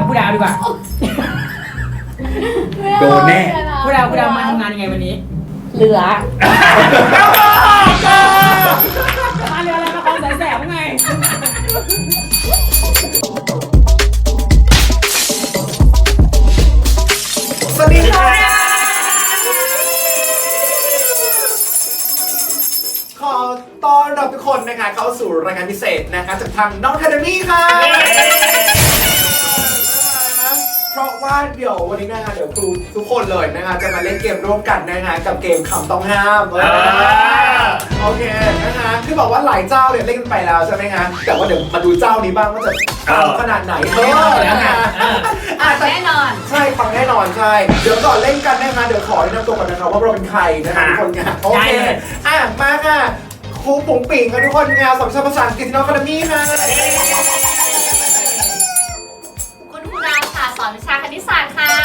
ผู้ดาวดีกว่าโดนแน่ผู้ดาวมาทำงานยังไงวันนี้เหลือมาเรืออะไรมาคลองสายแสบไงสวัสดีค่ะขอต้อนรับทุกคนนะคะเข้าสู่รายการพิเศษนะคะจากทางน้องแคทเมี่ค่ะเพราะว่าเดี๋ยววันนี้นะคะเดี๋ยวครูทุกคนเลยนะคะจะมาเล่นเกมร่วมกันนะคะกับเกมคำต้องห้ามโอเคนะคะคือบอกว่าหลายเจ้าเนี่ยเล่นกันไปแล้วใช่ไหมคะแต่ว่าเดี๋ยวมาดูเจ้านี้บ้างว่าจะขนาดไหนนะคะแน่นอนใช่ฟังแน่นอนใช่เดี๋ยวก่อนเล่นกันนะคะเดี๋ยวขอแนะนำตัวก่อนนะคะว่าเราเป็นใครนะคะทุกคนค่ะโอเคมาค่ะครูปุ๋งปิ่งค่ะทุกคนงานสอนภาษาอังกฤษที่น้องคาเดมี่ค่ะคุณครูดาวค่ะสอนวิชาคณิตศาสตร์ค่ะ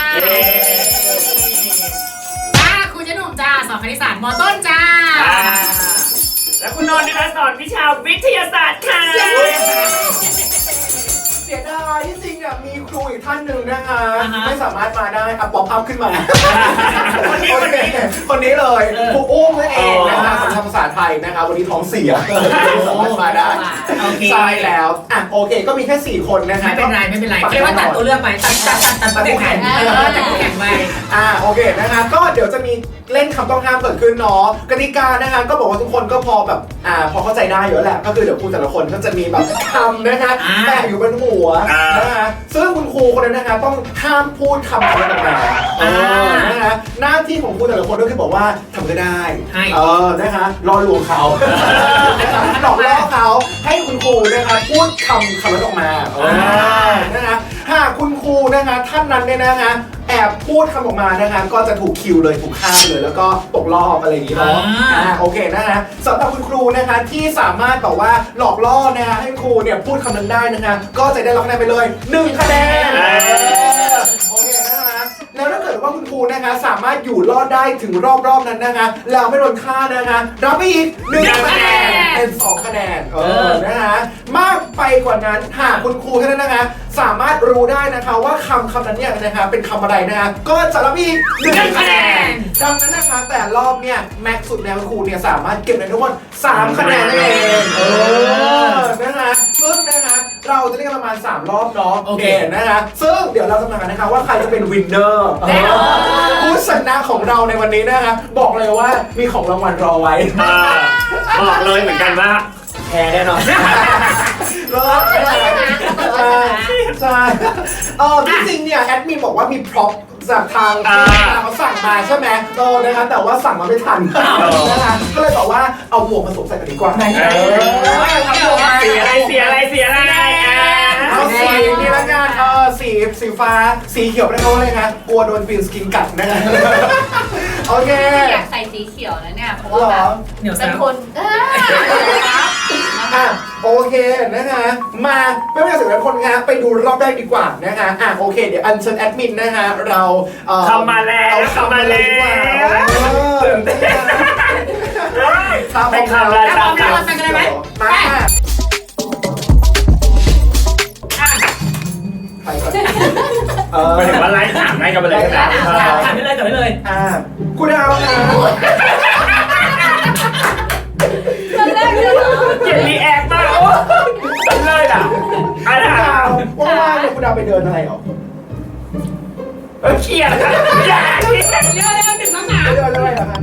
ครูเจ๊หนุ่มจ้าสอนคณิตศาสตร์ม.ต้นจ้าและคุณนนท์นะคะสอนวิชาวิทยาศาสตร์ค่ะเสียดายที่จริงอ่ะมีครูอีกท่านหนึ่งนะคะไม่สามารถมาได้อ่ะป๊อปอัพขึ้นมาคนนี้เลยครูอุ้มนั่นเองนะคะสอนภาษาไทยนะคะวันนี้ท้องเสียสามารถมาได้ใช่แล้วอ่ะโอเคก็มีแค่4คนนะคะไม่เป็นไรเรียกว่าตัดตัวเลือกไปตัดตัวแข่งตัดตัวแข่งไปโอเคนะคะก็เดี๋ยวจะมีเล่นคำต้องห้ามเกิดขึ้นเนาะกติกานะคะก็บอกว่าทุกคนก็พอแบบพอเข้าใจได้อยู่แล้วแหละก็คือเดี๋ยวครูแต่ละคนก็จะมีแบบคำนะคะแปะอยู่บนหัวนะคะซึ่งคุณครูคนนั้นนะคะต้องห้ามพูดคำนั้นออกมานะคะหน้าที่ของครูแต่ละคนก็คือบอกว่าทำก็ได้นะคะรอลวงเขาหลอกล่อเขาให้คุณครูนะคะพูดคำนั้นออกมานะคะหากคุณครูนะคะท่านนั้นเนี่ยนะคะแอบพูดคำออกมานะคะก็จะถูกคิวเลยถูกฆ่าเลยแล้วก็ตกรอบอะไรอย่างนี้เนาะโอเคนะคะสำหรับคุณครูนะคะที่สามารถแบบว่าหลอกล่อนะคะให้ครูเนี่ยพูดคำนั้นได้นะคะก็จะได้รับคะแนนไปเลย1คะแนนโอเคนะคะแล้วถ้าเกิดว่าคุณครูนะคะสามารถอยู่รอดได้ถึงรอบนั้นนะคะแล้วไม่โดนฆ่านะคะรับไปอีก1คะแนนเป็น2คะแนนนะคะมากไปกว่านั้นหากคุณครูท่านนั้นนะคะสามารถรู้ได้นะคะว่าคำนั้นเนี่ยนะคะเป็นคำอะไรนะคะก็จะรับอีก1คะแนนดังนั้นนะคะแต่รอบเนี่ยแม็กซ์สุดแล้วครูเนี่ยสามารถเก็บได้ทั้งหมด3คะแนนนั่นเองนะคะซึ่งนะคะเราจะเล่นกันประมาณ3รอบเนาะโอเคนะคะซึ่งเดี๋ยวเราจะมากันนะคะว่าใครจะเป็นวินเนอร์ผู้ชนะของเราในวันนี้นะคะบอกเลยว่ามีของรางวัลรอไว้บอกเลยเหมือนกันว่าแพ้แน่นอนใช่ที่จริงเนี่ยแอดมินบอกว่ามีพร็อพจากทางเขาสั่งมาใช่ไหมนะคะแต่ว่าสั่งมาไม่ทันนะคะก็เลยบอกว่าเอาหมวกมาสวมใส่กันดีกว่าเสียอะไรเอาสีนี่ละกันสีฟ้าสีเขียวไม่ได้เพราะอะไรคะกลัวโดนฟินสกินกัดนะคะโอเคอยากใส่สีเขียวนะเนี่ยเพราะว่าแบบเป็นคนโอเคนะคะมาไม่เป็นไรสุดคนคะไปดูรอบแรกดีกว่านะคะโอเคเดี๋ยวอัญเชิญแอดมินนะคะเราเข้ามาแล้วตื่นเต้นไปข่าวแล้วไปกันเลยไหมมาไปก่อนหมายถึงว่าไลฟ์ถามให้กันไปเลยนะถามได้เลยคุณดาวนะเก็บรีแอคมากโอ้เลยอ่ะว่างๆคุณดาวไปเดินอะไรหรอเครียดอย่าเครียดเรื่องถึงต้องหนาไปเดินอะไรหรอคะ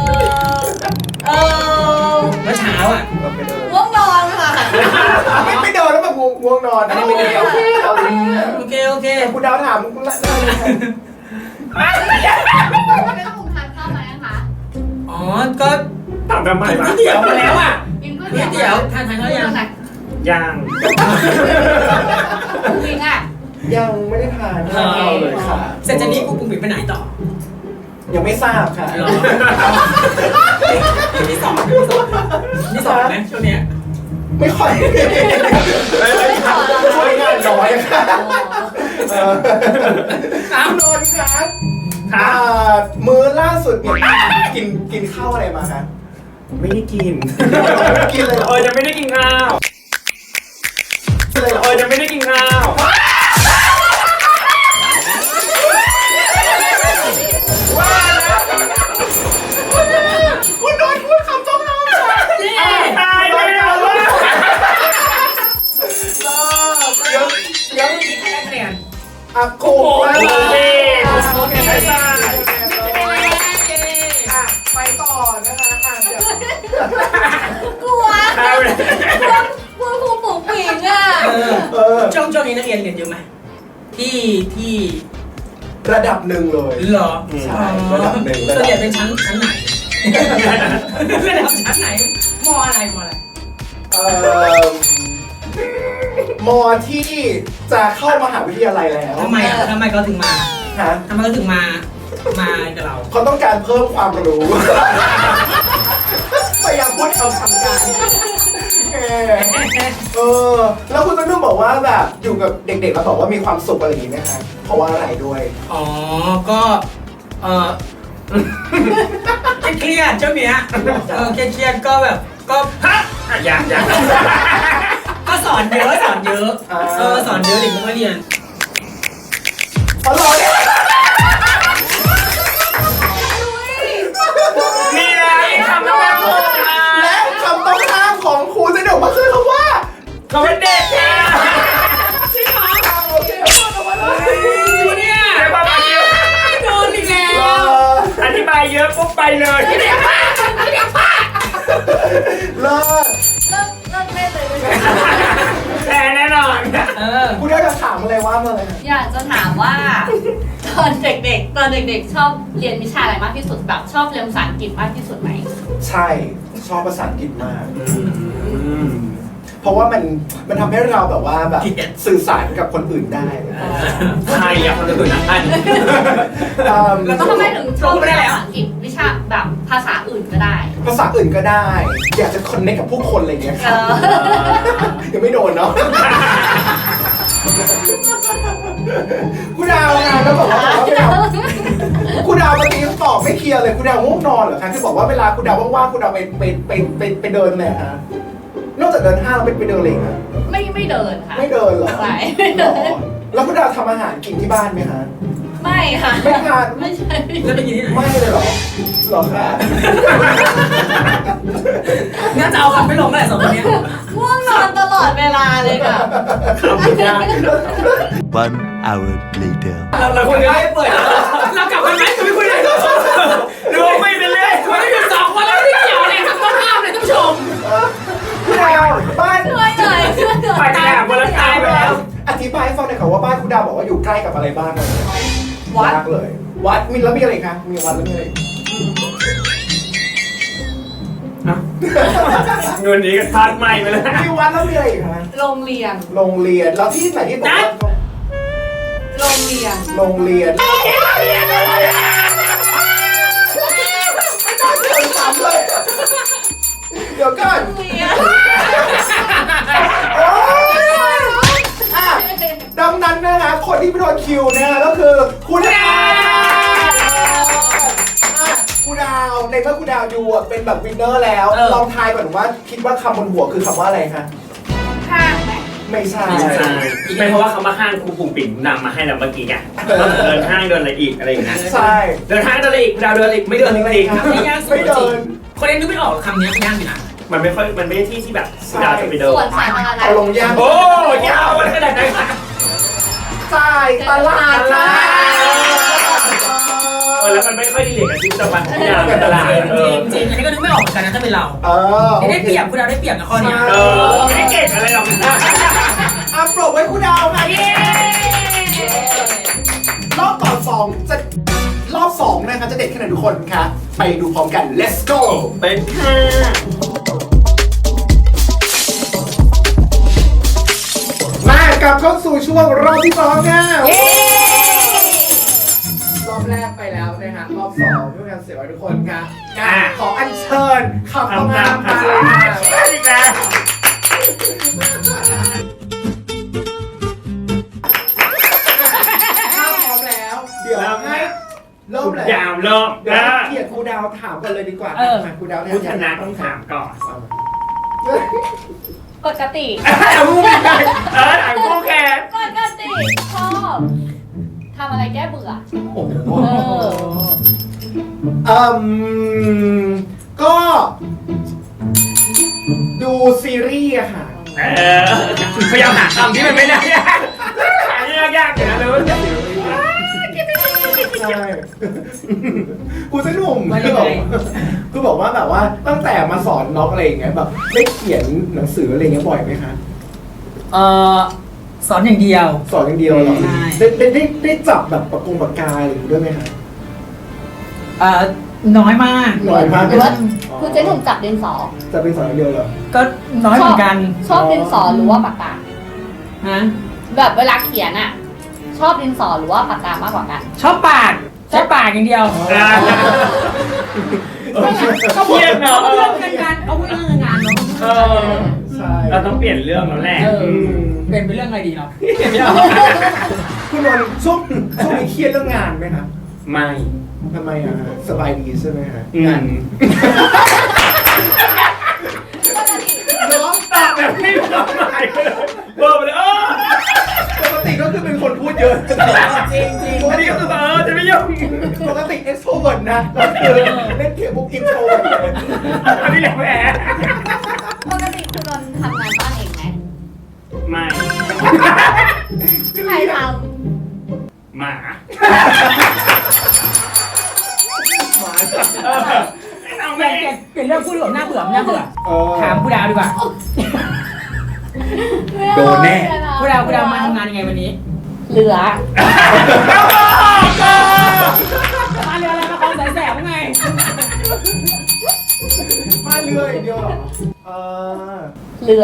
เมื่อเช้าง่วงนอนค่ะไม่เดินแล้วแบบง่วงนอนไม่เดินโอเคคุณดาวถามคุณละได้เลยไม่ต้องทานข้าวไหมคะอ๋อก็ถามทำไมวะเดี๋ยวมาแล้วกินก๋วยเตี๋ยวทานข้าวยังจริงยังไม่ได้ทานข้าวเลยค่ะเสร็จจากนี้กูปุ่มไปไหนต่อยังไม่ทราบค่ะที่สองไหมช่วงนี้ไม่ค่อยช่วยงานน้อยค่ะคุณนนท์ครับมื้อล่าสุดกินข้าวอะไรมาคะไม่ได้กินเลยเหรอยังไม่ได้กินข้าวยังไม่ได้กินข้าวเมื่อกี้ใครได้คะแนนอ่ะครูมาโอเคไปต่อนะคะเดี๋ยวกลัวกลัวครูปุ๋งปิงอ่ะช่วงนี้นักเรียนเรียนเยอะไหมที่ระดับหนึ่งเลยเหรอใช่ระดับหนึ่งส่วนใหญ่เป็นชั้นไหนระดับชั้นไหนมอะไรเอ่อมอที่จะเข้ามหาวิทยาลัยแล้วทำไมเขาถึงมาฮะทำไมเขาถึงมากับเราเขาต้องการเพิ่มความรู้ พยายามพูดเอาทำกันแล้วคุณต้นนุ่มบอกว่าแบบอยู่กับเด็กๆแล้วบอกว่ามีความสุขอะไรอย่างนี้ไหมคะเพราะว่าอะไรด้วยอ๋อก็เครียดเจ้าเมียเครียดก็แบบก็ฮะอยากก็สอนเยอะสอนเยอะเด็กไม่ค่อยเรียนอร่อยมีอะไรคำต้องห้ามและคำต้องห้ามของครูจะเดี๋ยวมาคือคำว่าคำว่าเด็กค่ะจริงเหรอโอเคพูดออกมาเลยจริงเนี่ยเดี๋ยวประมาณนี้โดนอีกแล้วอธิบายเยอะปุ๊บไปเลยเลิศเลิกเล่นเลยแต่แน่นอนครูได้จะถามอะไรว่ามาเลยนะอยากจะถามว่าตอนเด็กๆชอบเรียนวิชาอะไรมากที่สุดแบบชอบเรียนภาษาอังกฤษมากที่สุดไหมใช่ชอบภาษาอังกฤษมาก เพราะว่ามันทำให้เราแบบว่าแบบสื่อสารกับคนอื่นได้ใครอยากคนอื่นนะอันแล้วทำไมถึงชอบเรียนภาษาอังกฤษวิชาแบบภาษาอื่นก็ได้ภาษาอื่นก็ได้ อยากจะคอนเนคกับผู้คนอะไรเงี้ยครับยังไม่โดนเนาะคุณดาวนะแล้วบอกว่าคุณดาวเมื่อกี้ตอบไม่เคลียร์เลยคุณดาวง่วงนอนเหรอคะที่บอกว่าเวลาคุณดาวว่างๆคุณดาวไปเดินเลยฮะนอกจากเดินห้างแล้วไปเดินอะไรคะไม่เดินค่ะไม่เดินเหรอไม่หรอแล้วคุณดาวทำอาหารกินที่บ้านไหมฮะไม่ค่ะไม่ทานไม่ใช่แล้วไปกินที่ไหนไม่เลยเหรอหรอคะน่าจะเอาคำไม่ลงแหละสองคนนี้ง่วงนอนตลอดเวลาเลยค่ะ 1 hour later. เราคุยกันไม่เปิดเรากลับกันไหมจะไม่คุยเลยดูไม่เป็นเลยคุยกันอยู่2 คนแล้วไม่เกี่ยวอะไรกับต้นห้ามเลยท่านผู้ชมคุณดาวบ้านช่วยหน่อยช่วยหน่อยไปแอบวันละตายไปแล้วอธิบายให้ฟังหน่อยค่ะว่าบ้านคุณดาวบอกว่าอยู่ใกล้กับอะไรบ้างเลยวัดยากเลย วัดมีแล้วมีอะไรคะมีวัดแล้วมีอะไรเงินนี้ก็ทาดใหม่ไปเลยมีวัดแล้วมีอะไรอีกคะโรงเรียนโรงเรียนแล้วที่ไหนที่บอกว่าโรงเรียนโรงเรียนเดี๋ยวก่อนโรงเรียนโอ๊ยอ่ะดังนั้นนะคะคนที่ไปโดนคิวนะคะก็คือคุณดาวคุณดาวในเมื่อคุณดาวอยู่อะเป็นแบบวินเนอร์แล้วลองทายก่อนว่าคิดว่าคำบนหัวคือคำว่าอะไรคะห้างไหมไม่ใช่ไม่เพราะว่าเขามาห้างครูปุ่งปิ่งนำมาให้เราเมื่อกี้ไงเดินห้างเดินอะไรอีกอะไรอย่างเงี้ยใช่เดินห้างเดินอะไรอีกดาวเดินอีกไม่เดินจริงไม่ยากสุดไม่จริเดิงนคนเล่นนึกไม่ออกคำนี้ยากอยู่นะมันไม่ค่อยมันไม่ใช่ที่ที่แบบดาวจะไปเดินส่วนสาธารณะเอาลงยากโอ้ยาวขนาดไหนจ่ายตลาดนะแล้วมันไม่ค่อยดีเลยกับชีวิตประจำวันของดาวในตลาดจริงอันนี้ก็นึกไม่ออกเหมือนกันนะถ้าเป็นเรา ได้เปรียบคุณดาวได้เปรียบนะข้อนี้ไม่ได้เก่งอะไรหรอกอ่ะปรบไว้คุณดาวค่ะรอบต่อสองจะรอบสองนะคะจะเด็ดขนาดทุกคนค่ะไปดูพร้อมกัน let's go เป็นค่ะมากลับเข้าสู่ช่วงรอบที่สองค่ะรอบแรกไปแล้วนะฮะรอบสองเพื่อการเสียไว้ทุกคนค่ะขออัญเชิญคำต้องห้ามมาเลยค่ะอีกแล้วถ้าพร้อมแล้ว เดี๋ยวให้เริ่มเลยยาวเริ่มเดี๋ยวให้เกียรติครูดาวถามกันเลยดีกว่าครูดาวเนี่ยผู้ชนะต้องถามก่อนปกติผู้แข่งถามผู้แข่งปกติชอบทำอะไรแก้เบื่อโอ้โหก็ดูซีรีส์อะค่ะพยายามหาคำที่มันไม่ได้ครูเส้นหนุ่มว่ายังไงคือบอกว่าแบบว่าตั้งแต่มาสอนน็อกอะไรอย่างเงี้ยแบบได้เขียนหนังสืออะไรเงี้ยบ่อยไหมคะสอนอย่างเดียวสอนอย่างเดียวเหรอใช่ได้จับแบบปากกาอะไรอย่างงี้ด้วยไหมคะน้อยมากน้อยมากหรือว่าคุณเจ๊หนุ่มจับดินสอจะเป็นสอนอย่างเดียวเหรอก็น้อยเหมือนกันชอบดินสอหรือว่าปากกาฮะแบบเวลาเขียนอะชอบดินสอหรือว่าปากกามากกว่ากันชอบปากอย่างเดียวก็เครียดเนาะเอาเรื่องงานเอาเรื่องงานเนาะเออใช่เราต้องเปลี่ยนเรื่องแล้วแหละเป็นเรื่องอะไรดีเนาะคุณนนท์ช่วงนี้เครียดเรื่องงานไหมคะไม่ทำไมอะฮะสบายดีใช่ไหมฮะงานน้องตอบแบบไม่มีความหมายเลยเบอร์ไปเลยปกติก็คือเป็นคนพูดเยอะจริงจริงอันนี้ก็คือจะไม่ยุ่งปกติเอ็กโทรเวิร์ดนะก็คือเล่นเกมพวกอินโทรเวิร์ดเลยอันนี้แหละแหมปกติคุณนนท์ทำงานบ้านเองไหมไม่ใครทหมา เอาเปแม่ลี่ยนเรื่องพูดดีกว่าน่าเบื่อ ถามผู้ดาวดีกว่าำโดนแน่ผู้ดาวมาทำงานยังไงวันนี้เหลือมาเรืออะไรมาคลองสายแสบไงมาเรืออย่างเดียวเหรอเหลือ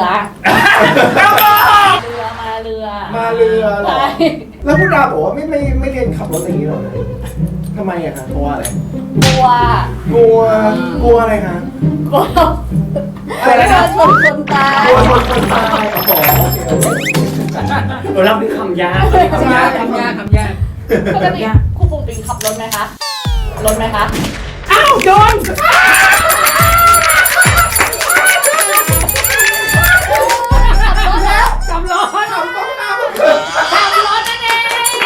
มาเรือมาเรือเหรอใช่แล้วผู้ดาบอกว่าไม่เรียนขับรถอย่างนี้หรอทำไมอะคะเพราะว่าอะไรกลัวกลัวอะไรคะกลัวอะไรนะชนคนตายกลัวชนคนตายอ๋อโอเคเราเป็นคำยากคำยากปกติครูปุงปิงขับรถไหมคะรถไหมคะอ้าวโดนขับรถแล้วจำร้อนทำต้องหน้ามันเกิดขับรถนั่นเอง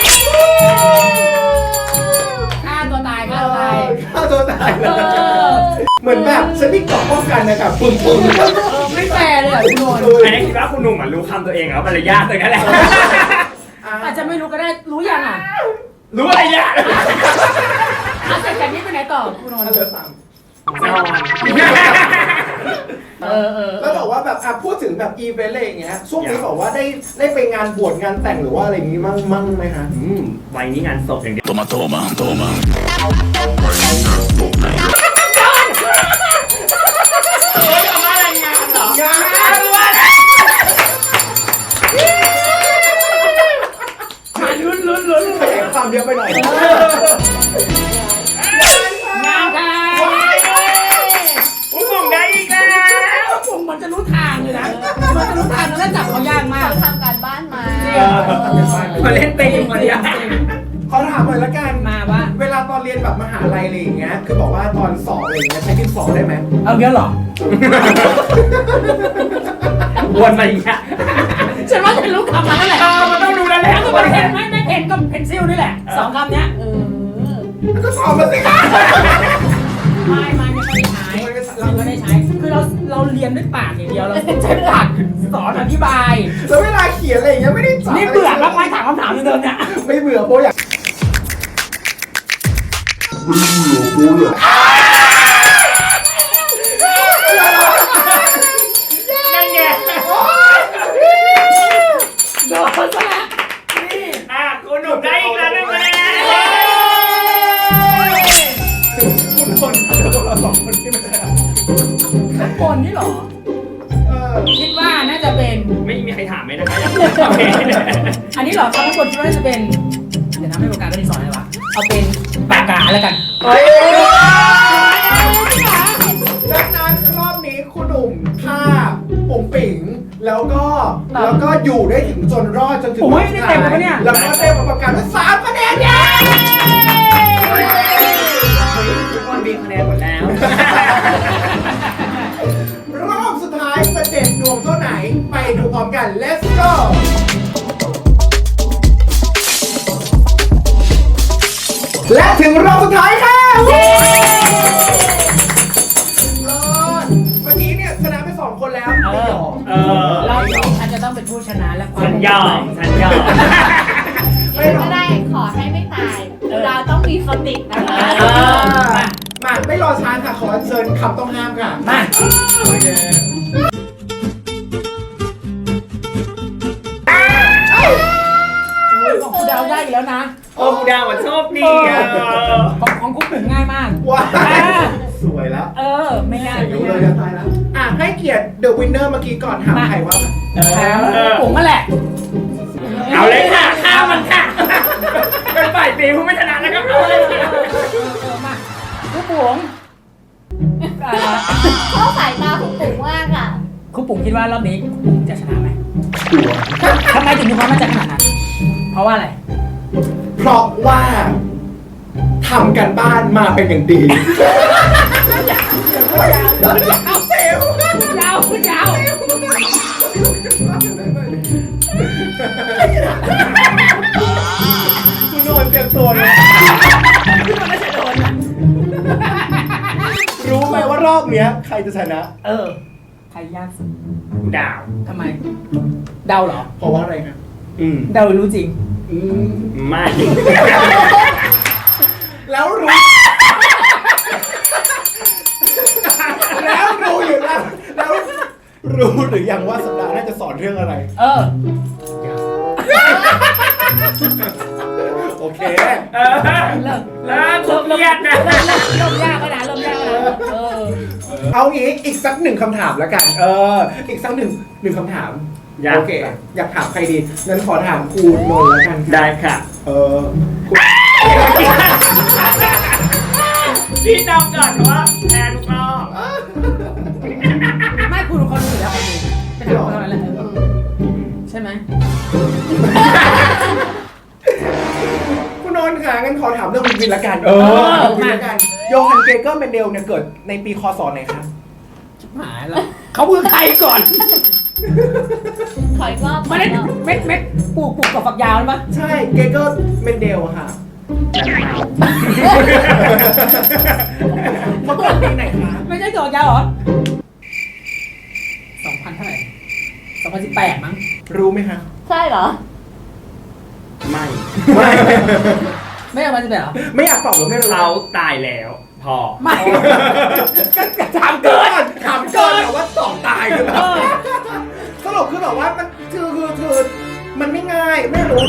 ฆ่าตัวตายฆ่าตัวตายเลยเหมือนแบบฉันมีเกราะป้องกันนะครับปึ้งไม่แฟร์เลยอ่ะคุณโดนอันนี้คิดว่าคุณหนุ่มรู้คำตัวเองเหรอมันเลยยากเลยนั่นแหละอาจจะไม่รู้ก็ได้รู้ยังอ่ะรู้อะไรยากเอาเสร็จจากนี้ไปไหนต่อคุณโดนเหลือสามนอนแล้วบอกว่าแบบพูดถึงแบบอีเวนต์อะไรอย่างเงี้ยช่วงนี้บอกว่าได้ไปงานบวชงานแต่งหรือว่าอะไรอย่างงี้มั่งไหมคะวัยนี้งานศพอย่างเดียว Toma, toma, toma. อะไรงานเหรองานลุ้นแข่งความเยอะไปหน่อยงานค่ะคุณหนุ่มได้อีกแล้วผมมันจะรู้ทางเลยนะมันจะรู้ทางแล้วจับเขายากมากเขาทำการบ้านมามาเล่นเต็มมาเนี่ยขอถามหน่อยละกันมาว่าเวลาตอนเรียนแบบมหาลัยอะไรอย่างเงี้ยคือบอกว่าตอนสอบอะไรอย่างเงี้ยใช้ดินสอได้ไหมเอาเยอะหรอวนมาอีกอ่ะฉันว่าฉันรู้คำนั้นแหละมันต้องดูแล้วแหละก็เพนไม่เพนก็เพนซิลนี่แหละสองคำเนี้ยก็สอบมาสิคะไม่ค่อยได้ใช้เราไม่ได้ใช้ คือเราเรียนด้วยปากอย่างเดียวเราใช้ปากสอนอธิบายแล้วเวลาเขียนอะไรอย่างเงี้ยไม่ได้จับนี่เบื่อแล้วไม่ถามคำถามเดิมเนี่ยไม่เบื่อเพราะอยากนั่นไงโดนซะแล้วคุณหนุ่มได้อีกแล้วนึงแล้คุณคนเราสองคนที่ไม่ได้ข้างบนนี่หรอ คิดว่าน่าจะเป็นไม่มีใครถามไหมนะคะอยากอันนี้เหรอข้างบนคิดว่าน่าจะเป็น เดี๋ยวนะไม่ปากกาก็ดีสอนอะไรวะ เอาเป็นปากกาแล้วกันดังนั้นรอบนี้คุณหนุ่มฆ่าปุ๋งปิ๋งแล้วก็อยู่ได้ถึงจนรอดจนถึงโอ้ยได้เต็มแล้วปะเนี่ยแล้วก็เต็มประกาศว่า3 คะแนนเย้ทุกคนมีคะแนนหมดแล้วรอบสุดท้ายจะเด็ดดวงเท่าไหนไปดูพร้อมกัน let's go และถึงรอบสุดท้ายค่ะเมื่อกี้เนี่ยชนะไป2 คนแล้วไม่ยอมเราฉันจะต้องเป็นผู้ชนะและความฉันยอมก็ได้ขอให้ไม่ตาย เราต้องมีสตินะคะมาไม่รอช้าค่ะขอเชิญคำต้องห้ามค่ะมาโอเคของคุณดาวได้อีกแล้วนะโอ้กูดาวอ่ะโชคดีอ่ะของคุณปุ่มง่ายมากว้าวสวยแล้วไม่ง่ายอายุเลยจะตายแล้วให้เกียรติ The Winner เมื่อกี้ก่อนถามใครว่าถามปุ่มก็แหละเอาเลยค่ะข้าวมันค่ะเป็นฝ่ายตีผู้ไม่ชนะนะครับเอาเลยค่ะมาคุณปุ่มชอบสายตาคุณปู่มากอ่ะคุณปุ่มคิดว่ารอบนี้คุณปุ่มจะชนะไหมทำไมถึงมีความมั่นใจขนาดนั้น เพราะว่าอะไรเพราะว่าทำกันบ้านมาเป็นอย่างดีเอาเซลยาวคุณยาวคุณโดนเตรียมตัวเลยรู้ไหมว่ารอบเนี้ยใครจะชนะใครยากสุดกูดาวทำไม เดาเหรอเพราะว่าอะไรครับเดารู้จริงไม่แล้วรู้ แล้วรู้อยู่แล้วแล้วรู้หรือยังว่าสัปดาห์หน้าจะสอนเรื่องอะไร โอเคเริ่มแล้วเครียดนะเริ่มยากแล้วนะเริ่มยากแล้วนะเอางี้อีกสักหนึ่งคำถามแล้วกัน อีกสักหนึ่งคำถาม โอเค อยากถามใครดีงั้นขอถามครูนนท์แล้วกันได้ค่ะคุณพี่นำก่อนเพราะว่าแพ้ทุกรอบไม่คุณเขารู้อยู่แล้วเขาดูไปถามเขาเท่านั้นแหละใช่ไหมคุณนนท์ค่ะงั้นขอถามเรื่องวินวินละกันวินละกันโยฮันเกเกอร์เมนเดลเนี่ยเกิดในปีคศไหนคะหายแล้วเขาเมืองไทยก่อนขออีกรอบมาเล่นเม็ดปลูกกับฝักยาวหรือเปล่าใช่เกเกอร์เมนเดลค่ะเขาเกิดปีไหนคะไม่ใช่ฝักยาวเหรอ2,000เท่าไหร่2018มั้งรู้ไหมคะใช่เหรอไม่ไม่เอามาจะแบบเหรอไม่อยากตอบหรือไม่รู้เขาตายแล้วพอไม่ก็ถามเกินถามเกินแต่ว่าตอบตายคือแบบสรุปคือแบบว่ามันคือมันไม่ง่ายไม่รู้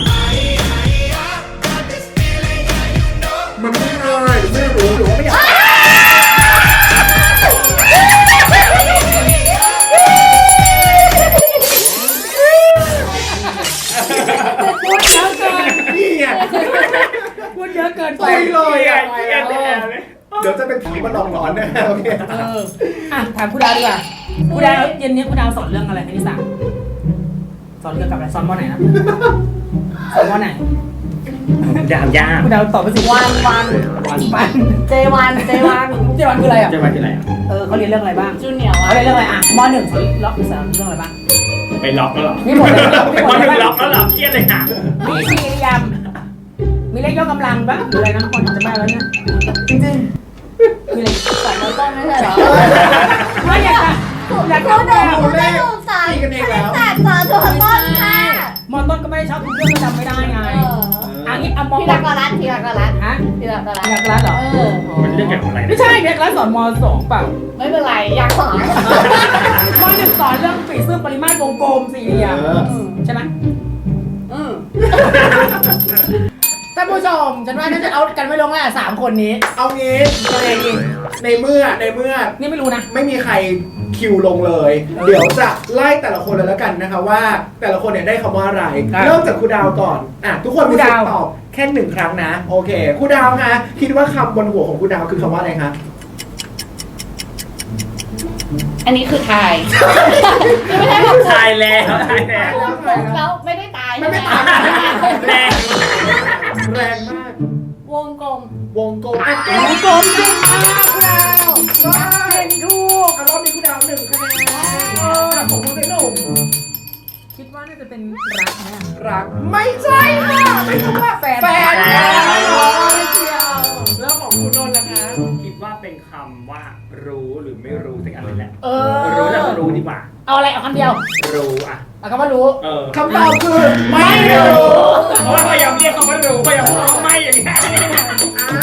มันไม่ง่ายไม่รู้หรือว่าไม่อยากพูดเยอะเกินนี่ไงพูดเยอะเกินไปไปเลยอ่ะเครียดแน่เลยเดี๋ยวจะเป็นผีมาหลอกหลอนนะโอเคถามคุณดาวดีกว่าคุณดาวเย็นนี้คุณดาวสอนเรื่องอะไรคณิตศาสตร์สอนเกี่ยวกับอะไรสอนม.ไหนนะสอนม.ไหนยากยากคุณดาวตอบไปสิวัน เจวันเจวันคืออะไรอ่ะจะมาที่ไหนอ่ะเขาเรียนเรื่องอะไรบ้างจูเนียร์วะเขาเรียนเรื่องอะไรม.1เขาล็อกสอนเรื่องอะไรบ้างไปล็อกแล้วหรอมีหมดเลยไปวันหนึ่งล็อกแล้วหรอเครียดเลยค่ะมีสี่เหลี่ยมมีเลขยกกำลังปะหรืออะไรนะคนจะมาแล้วเนี่ยจริงๆมีอะไรสายต้นไม่ใช่เหรอไม่อยากจะอยากเข้าเดิมไม่ถูกสายคณิตศาสตร์สอนตัวต้นค่ะมต้นก็ไม่ได้ชอบทุกเรื่องก็จำไม่ได้ไงอันนี้เอามพี่รักกรัตพี่รักกรัตฮะพี่รักกรัตอยากรัดเหรอมันเรื่องเกี่ยวกับอะไรไม่ใช่เด็กรัดสอนม2เปล่าไม่เป็นไรอยากสอนม1สอนเรื่องปีซื่อปริมาตรวงกลมสี่เหลี่ยมใช่ไหมท่านผู้ชมฉันว่าน่าจะเอากันไม่ลงแล้ว3คนนี้เอางี้ในเมื่อนี่ไม่รู้นะไม่มีใครคิวลงเลย เดี๋ยวจะไล่แต่ละคนเลยแล้วกันนะคะว่าแต่ละคนเนี่ยได้คำว่าอะไร เริ่มจากครูดาวก่อนทุกคนมีสิทธิ์ตอบแค่1 ครั้งนะโอเคครูดาวคะคิดว่าคำบนหัวของครูดาวคือคำว่าอะไรคะอันนี้คือไทยไม่ใช่แบบตายแล้วตายแล้วแล้วไม่ได้ตายไม่ตายแรงแรงมากวงกลมวงกลมวงกลมจริงมากครูดาวเก่งถูกรอบนี้ครูดาว1 คะแนนของคุณหนุ่มคิดว่าน่าจะเป็นรักนะรักไม่ใช่ค่ะไม่ใช่ว่าแฟนไม่เกี่ยวแล้วของคุณนนท์ล่ะคะคิดว่าเป็นคำว่ารู้หรือไม่รู้สักอันเลยแหละรู้รู้แล้วรู้ดีกว่าเอาอะไรเอาคำเดียวรู้อ่ะเอาคำว่ารู้คำตอบคือไม่รู้เพราะว่าพยายามเรียกคำว่ารู้พยายามพูดว่าไม่อย่างนี้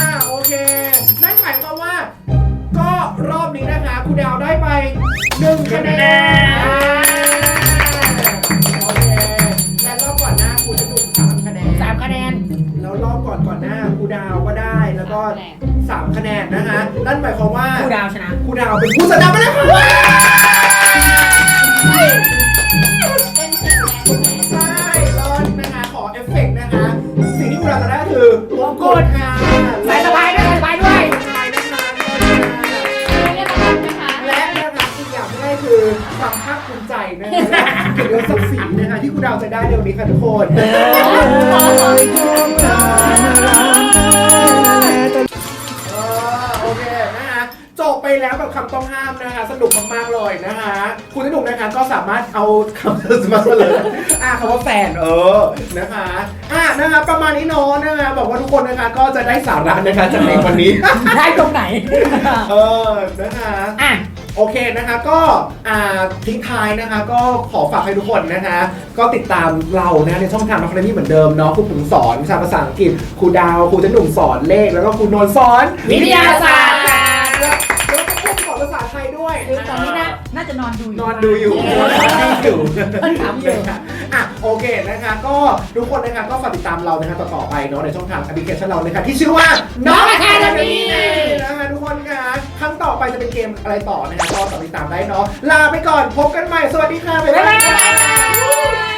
ก่อนหน้าครูดาวก็ได้แล้วก็3 คะแนนนะคะนั่นหมายความว่าครูดาวชนะครูดาวเป็นผู้ชนะไปแล้วค่ะเป็นเสียงแรงไหมใช่เลยนะคะขอเอฟเฟกต์นะคะสิ่งที่ครูดาวจะได้คือวงกดค่ะใส่สบายด้วยใส่สบายด้วยใช่นะคะเรียกรางวัลไหมคะและนะคะอีกอย่างที่ได้คือความภาคภูมิใจนะคะเกี่ยวกับศักดิ์ศรีนะคะที่ครูดาวจะได้ในวันนี้ค่ะทุกคนโอเคนะคะจบไปแล้วกับคำต้องห้ามนะคะสนุกมากๆเลยนะคะคุณสนุกนะคะก็สามารถเอาคำมาเฉลยคำว่าแฟนนะคะนะคะประมาณนี้เนาะนะคะบอกว่าทุกคนนะคะก็จะได้สาระนะคะจากในวันนี้ได้ตรงไหนนะคะอ่ะโอเคนะคะก็ทิ้งท้ายนะคะก็ขอฝากให้ทุกคนนะคะก็ติดตามเรานะในช่องทางนักเรียนที่เหมือนเดิมเนาะครูปุ๋มสอนวิชาภาษาอังกฤษครูดาวครูจะหนุ่มสอนเลขแล้วก็ครูนนท์สอนวิทยาศาสตร์แล้วก็ครูสอนภาษาไทยด้วยคือตอนนี้น่าจะนอนดูอยู่นอนดูอยู่อยู่ถามอยู่โอเคนะคะก็ทุกคนนะคะก็ฝากติดตามเรานะคะต่อไปเนาะในช่องทางแอปพลิเคชันเรานะคะที่ชื่อว่าน้อง Academy นะคะทุกคนค่ะครั้งต่อไปจะเป็นเกมอะไรต่อนะคะก็ติดตามได้เนาะลาไปก่อนพบกันใหม่สวัสดีค่ะบ๊ายบาย